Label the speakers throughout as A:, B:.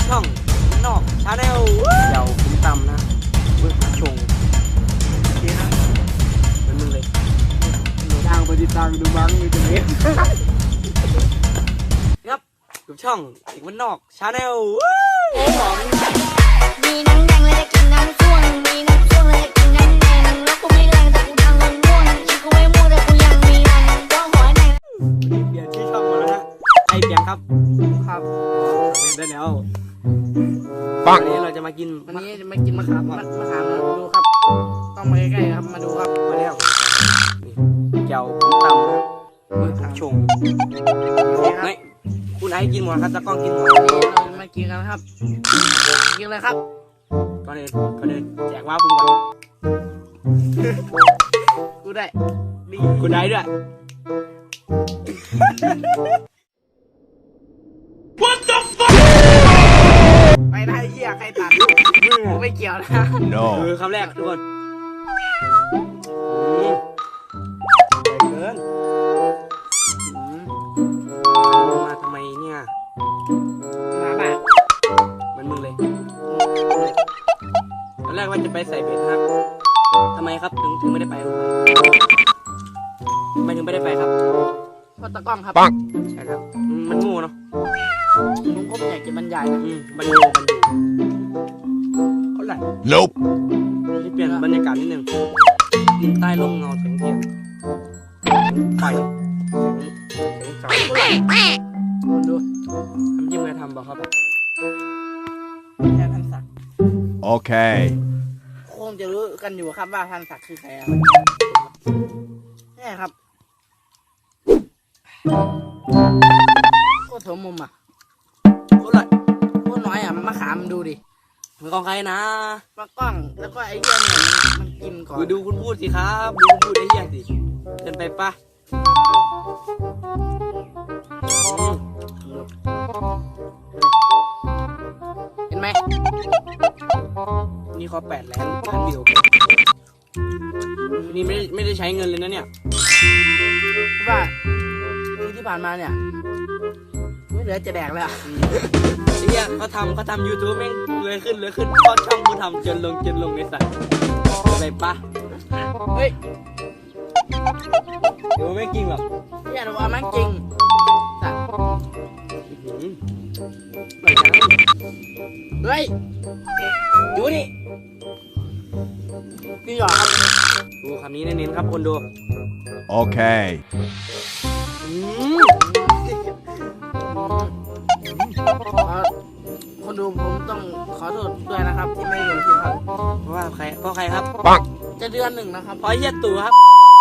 A: ช่องนอกชาแนลเดี๋ยวผมตำนะเบื้องหลังชงนี่นะเป็นมึงเลยหนูดังไปติดตังดูบังมีตัวนี้ครับกับช่องเด็กมันนอกชาแนล
B: มีน้ำแดงเลยจะกินน้ำส้วงมีน้ำส้วงเลยจะกินน้ำแดงแล้วกูไม่แรงแต่กูดังมันม่วงอีกกูไม่ม่วงแต่กูยังมีแรงก็หัวแดง
A: เปลี่ยนชื่อช่องมาแล้วนะไอเปลี่ยนครับครับได้แล้ววันนี้เราจะมากินมะขาม
C: ดูครับต้องมาใกล้ๆครับมาดูครับ
A: มาแล้วนี่แก้วผมตำนะมือผมชงไม่คุณไอกินหมดครับตะกล้องกินหมด
C: วันนี้เราจะมากินกันครับกินเลยครับ
A: ก่อนอื่นแจกว่าผมก่อน
C: กูได้
A: คุณได้ด้วย
C: ไปได้เหี้ยใครตัดไม่เกี่ยวนะ
A: คือคำแรกทุกคนเกินมาทำไมเนี่ย
C: มาบ้า
A: เหมือนมึงเลยตอนแรกว่าจะไปใส่เบ็ดครับทำไมครับถึงไม่ได้ไปทำไมถึงไม่ได้ไปครับ
C: เพราะตะกล้องครับ
A: ใช่ครับมันงูเนาะ
C: ผมก็ไม่อยากจะบรรยายนะ
A: มันงูเขาไหลที่เปลี่ยนบรรยากาศนิดนึงดินใต้ร่มเงาแสงเทียนไฟเสียงสาว
C: ดู
A: ทำยิ้มไงทำบอกครับ
C: แค่ท่านศักดิ์
D: โอเค
C: คงจะรู้กันอยู่ครับว่าท่านศักดิ์คือใครนี่ครับโคตรสมมุมอ่ะโคตรน้อยอ่ะมะขามดูดิ
A: มือของใครนะ
C: มะกล้องแล้วก็ไอ้เหี้ยเนี่ยมันกินก่อน
A: ดูคุณพูดสิครับดูคุณพูดไอ้เหี้ยสิเดินไปปะ
C: เห็นไหม
A: นี่เขา8 ล้านวิวนี่ไม่ได้ใช้เงินเลยนะเนี่ย
C: ว่าที่ผ่านมาเนี่ยไม่เหลือจะแดกเลยอ่ะ
A: เนี่ยเขาทำ YouTube แม่งเลยขึ้นเพราะช่องกูทำจนลงไอ้สัตว์ไปปะ
C: เฮ้ย
A: เดี๋ยวไม่จริงหรอก
C: เนี่ยเราว่ามันจริงสัตว์เฮ้ย
A: ดูนี่
C: พี่หยอกครับ
A: ดูคำนี้เน้นๆครับคนดู
D: โอเค
C: คนดูผมต้องขอโทษด้วยนะครับที่ไม่ลงคลิปครับ
A: เพราะใครครับ
D: ปัง
C: จะเดือนหนึ่งนะครับ
A: เพราะเฮียตู่ครับ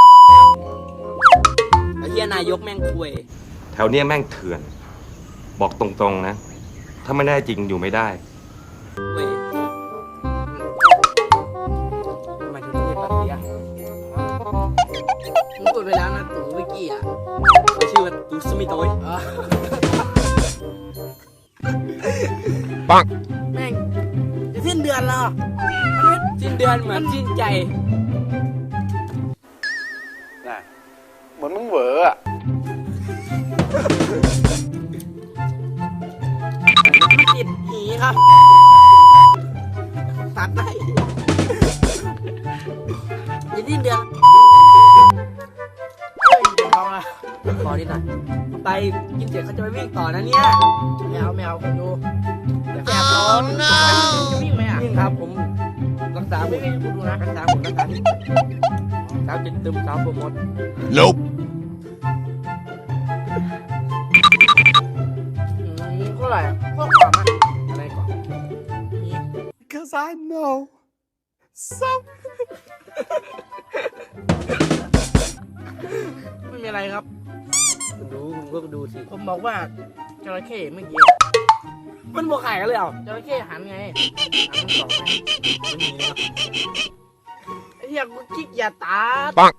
A: ไอ้เฮียนายกแม่งคุย
E: แถวเนี้ยแม่งเถื่อนบอกตรงๆนะถ้าไม่ได้จริงอยู่ไม่ได้
A: เว้ยทำไมถึงไม่ตัดเสีย
C: ผมกดไปแล้วนะตู่เมื่อกี้อ่ะ
A: เขาชื่อว่าตู่สมิโต้ย
D: ปัง
C: แม่งจะสิ้นเดือนแล้ว
A: สิ้นเดือนเหมือนสิ้นใจ
D: น่ะเหมือนมึงเหวออ่ะ
C: มันติดหีครับตัดได้จะสิ้นเดือนเฮ้ยเดี๋ยวพอละ
A: ขอนิดหน่อยไปกินเสร็จเขาจะไปวิ่งต่อนะเนี่ย
C: ไม่เอาคุณดูแอบร้อนจะวิ่งไหมอ่ะ
A: วิ่งครับผมรักษา
C: ไม่วิ่งคุณดูนะ
A: รักษาผมรักษาที่สาวจิตตึมสาวโปรโมท
C: ก็อะไรพวกก่อนมั้ย
A: อะไรก่อน
D: because I know some
C: ไม่มีอะไรครับ
A: คุณก็ดูสิ
C: ผมบอกว่าจระเข้เมื่อกี้
A: มันบวกไข่กันเลยเหรอ
C: จระเข้หันไงหันสองไงไม่มีครับไอ้เหี้ยกูกิ๊กอย่าตา
D: ปัง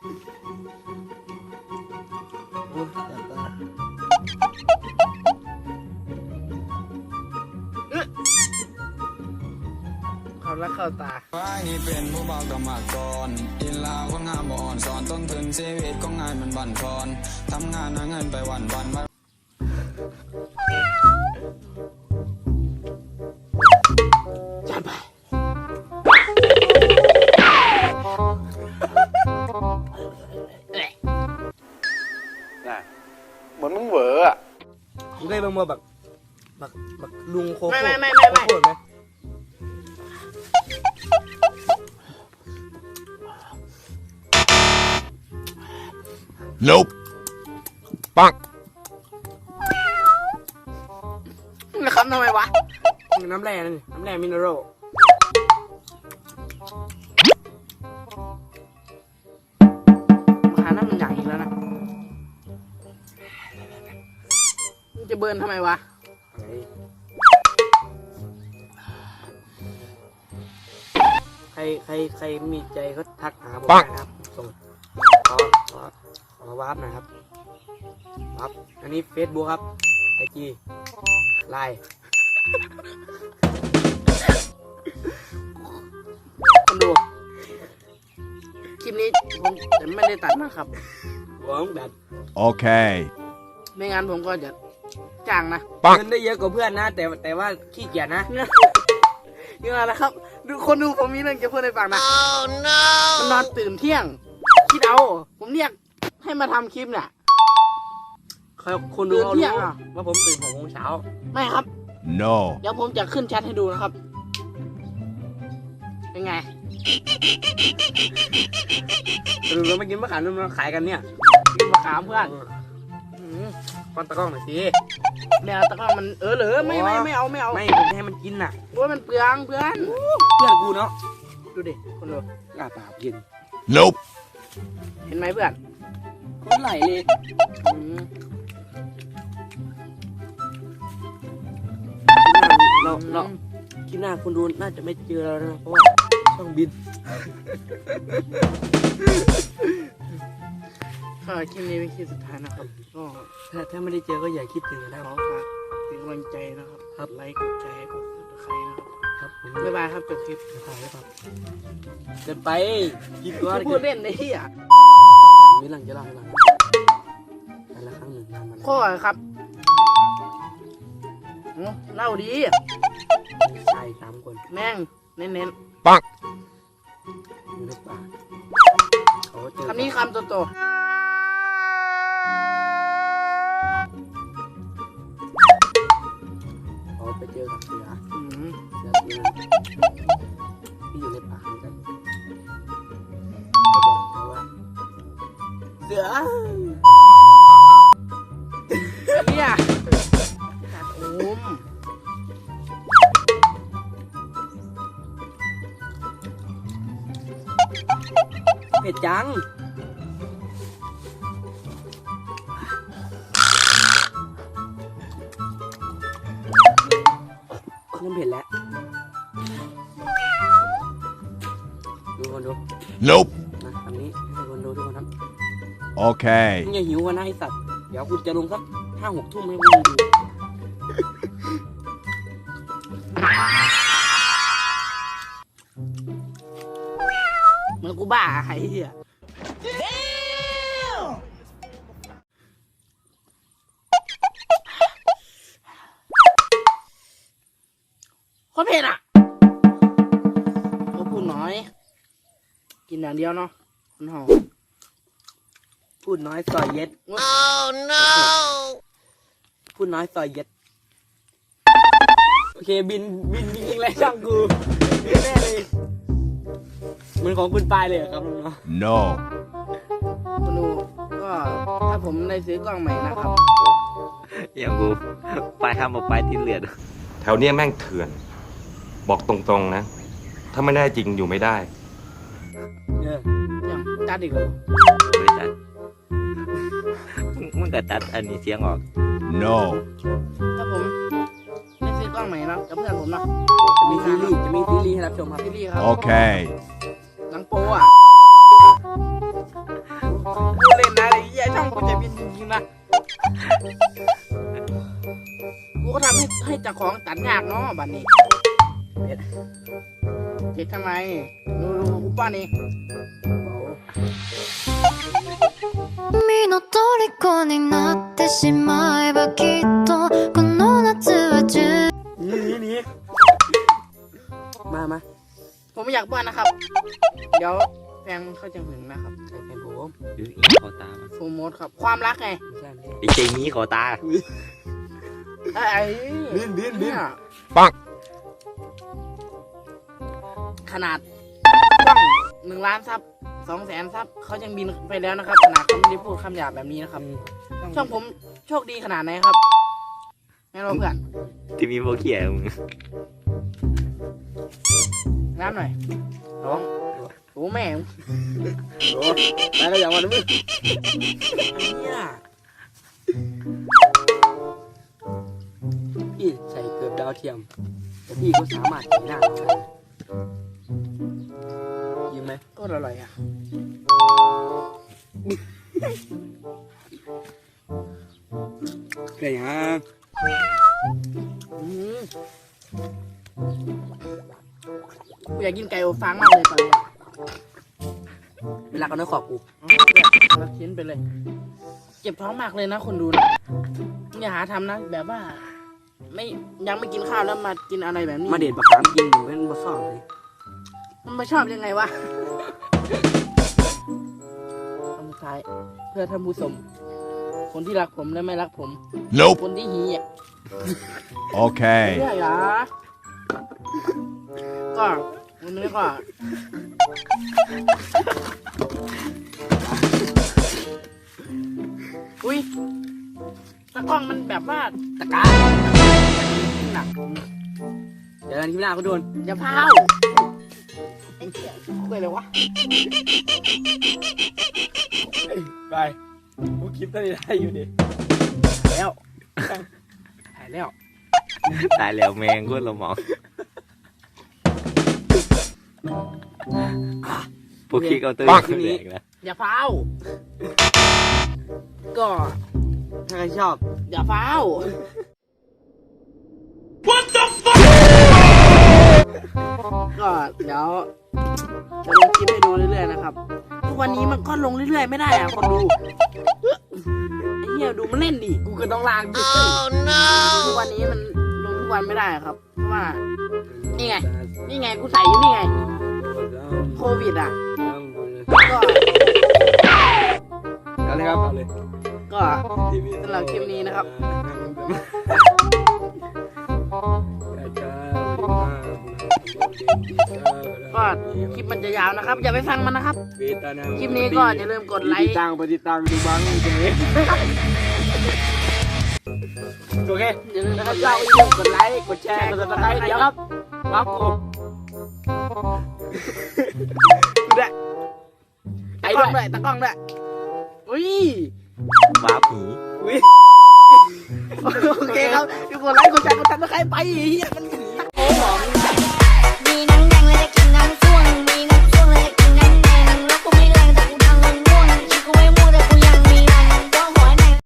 C: เขารักเข้าตา
F: นี่เป็นผู้บ่าวกับมาก่อนอินลาคนงามบ่อ่อนสอนต้นทุนชีวิตของงานมันบั่นทอนทำงานหาเงินไปวัน
A: บักลุงโคโค่
C: ไม่
A: โคโค่ไหม
D: Nope. ปัง
C: นะครับทำไมวะ
A: น้ำแร่นั่นน้ำแร่มินเนอรัล
C: มาหาน้ำมันอย่างอีกแล้วนะมึงจะเบิร์นทำไมวะ
A: ใครมีใจก็ทักหาผมได้นะครับส่งขอวาร์ปหน่อยครับวาร์ปอันนี้ Facebook ครับ IG Line
C: คนดู คลิปนี้ผมจะไม่ได้ตัดนะครับ
A: หวังแบบ
D: Okay.
C: ไม่งั้นผมก็จะจ้างนะ
A: เงินได้เยอะกว่าเพื่อนนะ แต่ว่าขี้เกียจนะ
C: ยังไงนะครับ ดูคนดูผมมีเรื่องจะพูดให้ฟังนะมันนอนตื่นเที่ยง คิดเอา ผมเรียกให้มาทำคลิปเนี่ย
A: คนดูเขา
C: ตื่นเที่
A: รู้
C: ยงอ่ะ
A: ว่าผมตื่น6 โมงเช้า
C: ไม่ครับ
D: No.
C: เดี๋ยวผมจะขึ้นแชทให้ดูนะครับ เป็นไง
A: ตื่นแล้วมากินมะขามมาขายกันเนี่ย
C: กินมะขามเพื่อน
A: ก้อนตะกร้องหน่อยสิ
C: แมวตะกร้อมันเหรอไม่เอา
A: ไม่ผมจะให้มันกินน่ะ
C: โอ้ยมันเปลืองเพื่อน
A: เพื่อนกูเนาะ
C: ดูดิคนดู
A: กล้าปากกิน
D: Nope.
C: เห็นไหมเพื่อน
A: คนไหลเลย
C: อืม
A: เราคลิปหน้าคุณดูน่าจะไม่เจอแล้วนะเพราะว่าต้องบิน
C: ก็คลิปนี้เป็นคลิปสุดท้ายนะครับ ก็
A: ถ้าไม่ได้เจอก็อย่าคิดถึงนะ
C: ขอฝากเป็นกำลังใจนะครับ
A: ครับ
C: ไลค์กดแชร์กดติดตามนะครับ
A: ครับผม
C: บ๊ายบายครับจบคลิป
A: ถ่ายไว้ครับเกินไปกินก็
C: พูดเล่นในที่อ่ะ
A: มีหลังจะเล่าให้ฟังแต่ละครั้งหนึ่งนานมาแล้ว
C: ข้อครับโอ้เล่าดี
A: ชาย3 คน
C: แม่งเน้น
A: อยู่ในป่าเขาเจอ
C: ๆคำนี้คำโต
A: เขาไปเจอกับเสือ
C: ๆอืม
A: เสือตัวนึงที่อยู่ในป่าเหมือนกันเขาบอกเขาว่าเสือ
C: เนี่ยตัดโอม
A: เผ็ดจังเริ่มเผ็ดแล้วดูคนดู
D: Nope.
A: นะคำนี้ให้คนดูทุกคนครับ
D: Okay.
A: มึงอย่าหิวกันนะไอสัตว์ เดี๋ยวคุณจะลงสัก5-6 ทุ่มให้พวกมึงดู
C: เหมือนกูบ้าไอ้เหี้ยโคตรเผ็ดอ่ะก็พูดน้อย กินอย่างเดียวเนาะมันหอม
A: พูดน้อยซอยเย็ด พูดน้อยซอยเย็ด โอเคบินจริงๆเลยช่างกูบินแน่เลยเหมือนของคุณปายเลยเหรอครับน้อง
D: No.
C: คุณดูก็ถ้าผมได้ซื้อกล้องใหม่นะครับ
G: อย่างกูไปทำออกไปที่เหลือด
E: แถวเนี้ยแม่งเถื่อน บอกตรงๆนะ ถ้าไม่ได้จริงอยู่ไม่ได้
A: ๆเนี่ย
C: อย่างจัดอีกเหรอ
G: เลยจัดมึงก็ตัดอันนี้เสียงออก
D: No.
C: ถ้าผมได้ซื้อกล้องใหม่นะกับเพื่อนผมนะ
A: จะมีซีรีส์ให้รับชมครับ
C: ซีรีส์ครับ
D: Okay.
C: หนังโปอ่ะพูดเล่นนะไอ้เหี้ยช่องกูจะบินจริงๆนะกูก็ทำให้เจ้าของตัดยากเนาะบัดนี้เจ็ดทำไมดูกูป้อนเอง
B: 君の虜になってしまえばきっとこの夏は充
A: หนีมา
C: ผมไม่อยากป้อนนะครับ เดี๋ยวแฟนเขาจะหึงนะครับ
A: ใครเป็นผม
G: หรืออีขอตามัน
C: โฟร์โมดครับ ความรักไง
A: ไม่ใช่
G: ไอ้เจนี้ขอตา
C: ไอ้
A: บิน
C: เนี่ย
D: ปัง
C: ขนาดต้อง1,000,000 ซับ 200,000 ซับเขายังบินไปแล้วนะครับขนาดเขาไม่ได้พูดคำหยาบแบบนี้นะครับช่องผมโชคดีขนาดไหนครับแม่เราเพื่อน
G: ที่มีโบเกียมึง
C: น้ำหน่อย
A: น้อง
C: โอ้แม่ง
A: โอ้ไปแล้วอย่างวันมึง
C: เนี่ย
A: พี่ใส่เกือบดาวเทียม แต่พี่ก็สามารถเห็นหน้าเราได้ยิงไหม
C: ก็อร่อยอ่ะ
A: ไก่ฮะ
C: อืมกูอยากกินไก่อบฟางมากเลยตอนนี้
A: เวลากันด้วยขอบกู
C: รับชิ้นไปเลย เจ็บท้องมากเลยนะคนดูนะอย่าหาทำนะแบบว่า ไม่ยังไม่กินข้าวแล้วมากินอะไรแบบนี้
A: มาเด็ดประคามกินหนูเป็นบะซ่อเลย
C: มันไม่ชอบยังไงวะคำสุดท้ายเพื่อท่านผู้ชมคนที่รักผมและไม่รักผม
D: Nope.
C: คนที่หีอ่ะ
D: Okay.
C: เรื่อยอ่ะก็วันนี้ก็อุ้ยตะกล้องมันแบบว่าตะการหนัก
A: เดี๋ยวกันที่หน้าเขาโดน
C: อย่าพาวไอ้เหี้ยคุยเลยวะ
A: ไปกูคลิปตอนนี้ได้อยู่ดิ
C: แล้วหายแล้ว
G: ตายแล้วแมงโคตรละหมองพวกคิกเอาตื้อขึ้นแดกนะ
C: อย่าพาวก็
A: ถ้าใครชอบ
C: อย่าพาว ก็เดี๋ยวจะลงคลิปให้ดูเรื่อยๆนะครับ ทุกวันนี้มันก็ลงเรื่อยๆไม่ได้อะคนดูไอ้เหี้ยดูมันเล่นดิ
A: กูก็ต้องล้างดิ
C: ทุกวันนี้มันลงทุกวันไม่ได้อะครับเพราะว่านี่ไงกูใส่อยู่นี่ไงโควิดอ่ะก็
A: เอาเลยครับเอาเลย
C: ก็สำหรับคลิปนี้นะครับ ก็คลิปมันจะยาวนะครับ อย่าไปฟังมันนะครับ คลิปนี้ก็อย่าลืมกดไลค์
A: ปฏิตังดูบ้างโอเค
C: อย่าลืม
A: นะค
C: ก
A: รับ
C: ดไล
A: เรา
C: ค์
A: กดไลค์กดแชร์กดติดตามเดี๋ยวครับว้าวกูดูได้
C: ตะกล้องด้วยตะกล้องด้วยอุ้ย
G: ว้าผี
A: อุ้ย
C: โอเคครับทุกคนไลค์กดแชร์กดติดตามไปไอ้เหี้ยมัน